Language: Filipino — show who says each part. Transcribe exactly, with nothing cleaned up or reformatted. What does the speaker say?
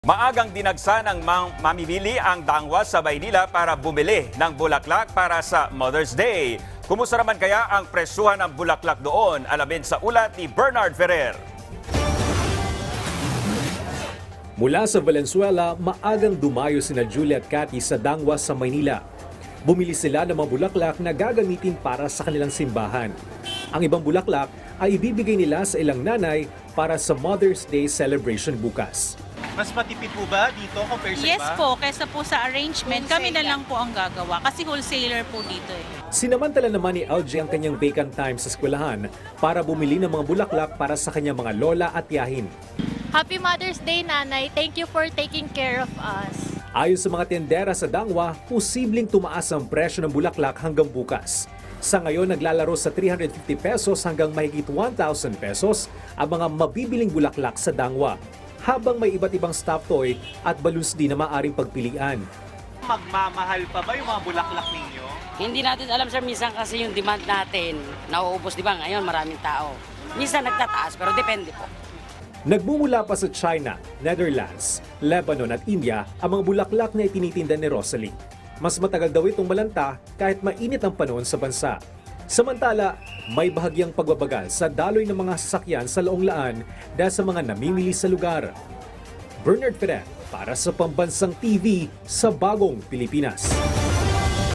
Speaker 1: Maagang dinagsa ng mang mamimili ang dangwa sa Maynila para bumili ng bulaklak para sa Mother's Day. Kumusta naman kaya ang presyuhan ng bulaklak doon? Alamin sa ulat ni Bernard Ferrer.
Speaker 2: Mula sa Valenzuela, maagang dumayo sina Julie at Cathy sa dangwa sa Maynila. Bumili sila ng mga bulaklak na gagamitin para sa kanilang simbahan. Ang ibang bulaklak ay ibibigay nila sa ilang nanay para sa Mother's Day celebration bukas.
Speaker 3: Mas matipid po ba dito compare sa
Speaker 4: Yes
Speaker 3: iba?
Speaker 4: po, kesa po sa arrangement, kami na lang po ang gagawa kasi wholesaler po dito eh.
Speaker 2: Sinamantala naman ni L J ang kanyang vacant time sa eskwelahan para bumili ng mga bulaklak para sa kanyang mga lola at tiyahin.
Speaker 5: Happy Mother's Day, Nanay. Thank you for taking care of us.
Speaker 2: Ayon sa mga tendera sa dangwa, posibleng tumaas ang presyo ng bulaklak hanggang bukas. Sa ngayon, naglalaro sa three hundred fifty pesos hanggang mahigit one thousand pesos ang mga mabibiling bulaklak sa dangwa. Habang may iba't ibang stuffed toy at balloons din na maaaring pagpilian.
Speaker 3: Magmamahal pa ba yung mga bulaklak ninyo?
Speaker 6: Hindi natin alam sir, minsan kasi yung demand natin, nauubos di ba ngayon maraming tao. Minsan nagtataas pero depende po.
Speaker 2: Nagmumula pa sa China, Netherlands, Lebanon at India ang mga bulaklak na itinitinda ni Rosalie. Mas matagal daw itong malanta kahit mainit ang panahon sa bansa. Samantala, may bahagyang pagbabagal sa daloy ng mga sasakyan sa Laong Laan dahil sa mga namimili sa lugar. Bernard Ferrer para sa Pambansang T V sa Bagong Pilipinas.